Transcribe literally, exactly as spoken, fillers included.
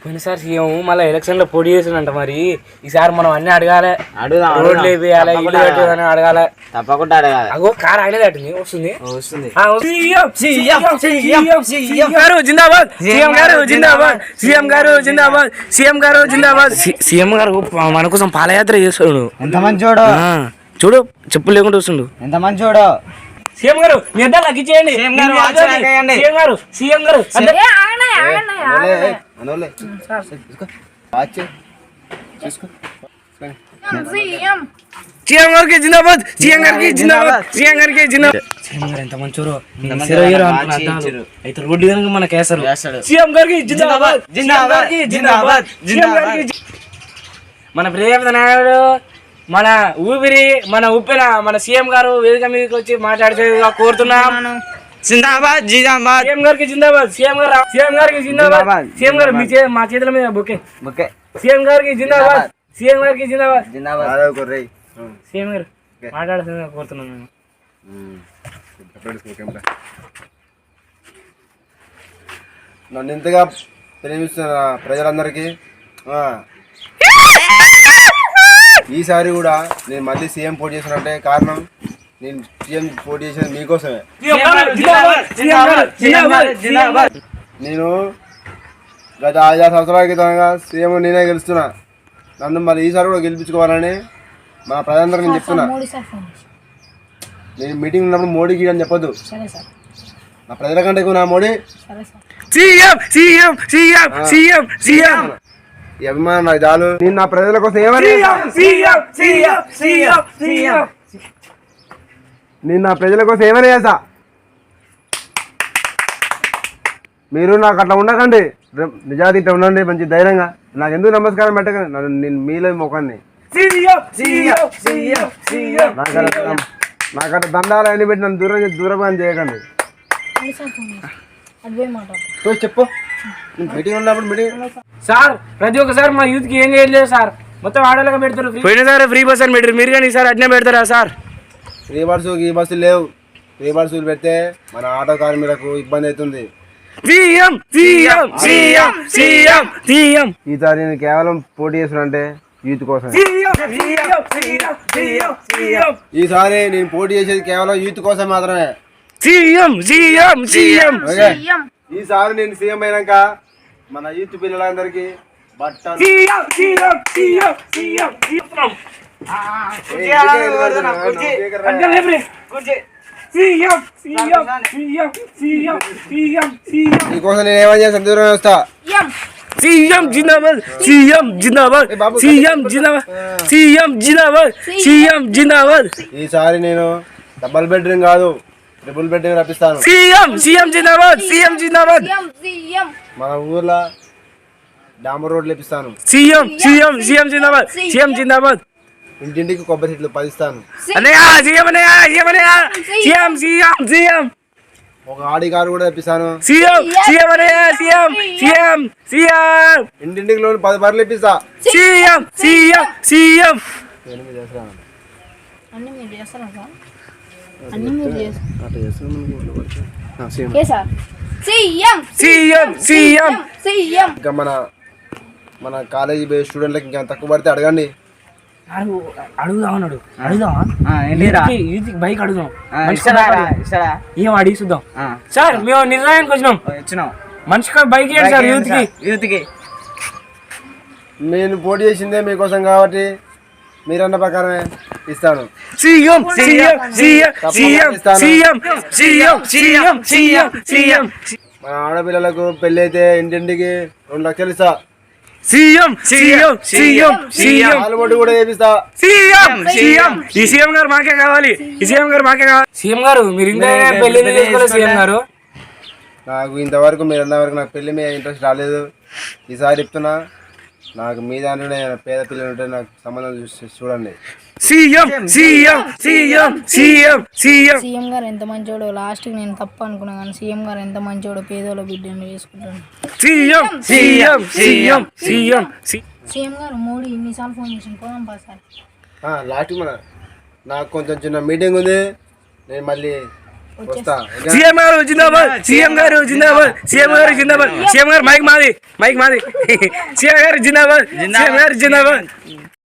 పోయినసారి సీఎం మళ్ళీ ఎలక్షన్ లో పోటీ చేసిందంట. మరి ఈసారి మనం అన్ని అడగాలి, రోడ్లు వేయాలి, ఇల్లు కట్టేదని అడగాలి, తప్పకుండా అడగాలి. అగో కార్ ఆయన కట్టింది వస్తుంది వస్తుంది. గారు జిందాబాద్, సీఎం గారు జిందాబాద్, సీఎం గారు జిందాబాద్, సీఎం గారు జిందాబాద్. సీఎం గారు మన కోసం పాదయాత్ర చేస్తాడు. ఎంత మంచోడు చూడు, చెప్పులు లేకుండా వస్తుండు. ఎంత మంచోడు. సీఎం గారు మీ అద్దరు లగ్గించేయండి. సీఎం గారు సీఎం గారు సీఎం గారు సీఎం గారికి జిందాబాద్, సీఎం గారికి జిందాబాద్, సీఎం గారికి జిందాబాద్. సీఎం గారు ఎంత మంచోరో అయితే రోడ్డు కనుక మనకు వేస్తారు. సీఎం గారికి జిందాబాద్, జిందాబాద్, జిందాబాద్, జిందాబాద్. మన ప్రియమైన నాయుడు, మన ఊపిరి, మన ఉప్పిన మన సీఎం గారు వేదిక మీదకి వచ్చి మాట్లాడితే కోరుతున్నాం. జిందాబాద్, జిందాబాద్, సీఎం గారికి జిందాబాద్, సీఎం గారు సీఎం గారికి జిందాబాద్, సీఎం గారు మీ మా చేతుల మీద బొకే బొకే. సీఎం గారికి జిందాబాద్, సీఎం గారికి జిందాబాద్, జిందాబాద్. సీఎం గారు మాట్లాడుతున్నా కోరుతున్నాను. నన్ను ఇంతగా ప్రేమిస్తున్న ప్రజలందరికీ ఈసారి కూడా నేను మళ్ళీ సీఎం పోటీ చేసినట్టే కారణం నేను సీఎం పోటీ చేసేది మీకోసమే. నేను గత ఐదారు సంవత్సరాల క్రితంగా సీఎం నేనే గెలుస్తున్నా. నన్ను మళ్ళీ ఈసారి కూడా గెలిపించుకోవాలని మన ప్రజలందరికీ నేను చెప్తున్నా. నేను మీటింగ్ ఉన్నప్పుడు మోడీకి అని చెప్పొద్దు, నా ప్రజల కంటే ఎక్కువ నా మోడీ. ఈ అభిమానం నాకు చాలు. నేను నా ప్రజల కోసం ఏమని నేను నా ప్రజల కోసం ఏమని చేస్తా. మీరు నాకు అట్లా ఉండకండి, నిజాతి ఇట్లా ఉండండి మంచి ధైర్యంగా. నాకు ఎందుకు నమస్కారం పెట్టకండి, నన్ను నేను మీలో మొఖాన్ని నాకు అట్లా దండాలు అన్ని పెట్టి నన్ను దూరం దూరం చేయకండి. చెప్పు మీటింగ్ ఉన్నప్పుడు మీటింగ్ సార్ ప్రతి ఒక్కసారి మా యూత్ కి ఏం చేయలేదు సార్, మొత్తం ఆడలుగా పెడతారు. పోయినసారి ఫ్రీ బస్ అని పెట్టారు, మీరు కానీ ఈసారి అట్నే పెడతారా సార్? ఫ్రీ బస్సు ఈ బస్సులు లేవు. ఫ్రీ బస్సులు పెడితే మన ఆటో కార్మికులకు ఇబ్బంది అవుతుంది. ఈసారి నేను కేవలం పోటీ చేస్తున్నంటే యూత్ కోసం. ఈసారి నేను పోటీ చేసేది కేవలం యూత్ కోసం మాత్రమే. ఈసారి నేను సీఎం అయినాక మన యూత్ పిల్లలందరికీ బట్టలు మీకోసం నేను ఏమని చేస్తాను, దూరం వస్తా. సీఎం జిందాబాద్, సీఎం జిందాబాద్, సీఎం జిందాబాద్, సీఎం జిందాబాద్, సీఎం జిందాబాద్. ఈసారి నేను డబుల్ బెడ్రూమ్ కాదు ట్రిపుల్ బెడ్రూమ్ రప్పిస్తాను. సీఎం సీఎం జిందాబాద్, సీఎం జిందాబాద్. మన ఊర్లో డాంబర్ రోడ్లు ఇప్పిస్తాను. సీఎం సీఎం సీఎం జిందాబాద్, సీఎం జిందాబాద్. ఇంటింటికి కొబ్బరి చెట్లు పదిస్తాను. ఒక ఆడి కారు కూడా తెప్పిస్తాను. ఇంటింటికి లోన్ పది బర్రెలు ఇప్పిస్తా. ఇంకా మన మన కాలేజీ స్టూడెంట్లకి ఇంకా తక్కువ పడితే అడగండి. అడుగుదాం అన్నాడు, అడుగుదాం బైక్ అడుగుదాం, ఏం అడిగి చూద్దాం. సార్ మేము నిర్ణయానికి వచ్చినాం, వచ్చినాం మనిషికి బైక్ ఇవ్వండి సార్ యూత్ కి. యూత్ కి నేను పోటీ చేసిందే మీకోసం కాబట్టి మీరన్న ప్రకారమే ఇస్తాను. మన ఆడపిల్లలకు పెళ్లి అయితే ఇంటింటికి రెండు లక్షలు ఇస్తా. సీఎం సీఎం సీఎం సీఎం ఆలుబొట్టు కూడా చేపిస్తా. సీఎం సీఎం ఈ సీఎం గారు మాకే కావాలి, ఈ సీఎం గారు మాకే కావాలి. సీఎం గారు మీరు ఇంకా పెళ్లి చేసుకోలేదు సీఎం గారు. నాకు ఇంతవరకు మీరు అన్నవరకు నాకు పెళ్లి మీద ఇంట్రెస్ట్ రాలేదు. ఈసారి చెప్తున్నా, నాకు మీ దాంట్లోనే పేద పిల్లలు ఉంటే నాకు సంబంధం చూడండి. CM CM CM CM CM CM గారు ఎంత మంచోడు. లాస్ట్ కి నేను తప్పు అనుకున్నా కానీ సీఎం గారు ఎంత మంచోడు, పేదోళ్ళ బిడ్డను చేసుకుంటాను. CM CM CM CM CM గారు మోడీ ఇన్నిసార్లు ఫోన్ చేసి పోదాం బా సార్. లాస్ట్ మన నాకు కొంచెం చిన్న మీటింగ్ ఉంది, నేను మళ్ళీ వస్తా ఓకే? సీఎం గారు జిందాబాద్ సీఎం గారు జిందాబాద్ సీఎం గారు జిందాబాద్ సీఎం గారు మైక్ మాది మైక్ మాది సీఎం గారు జిందాబాద్ సీఎం గారు జిందాబాద్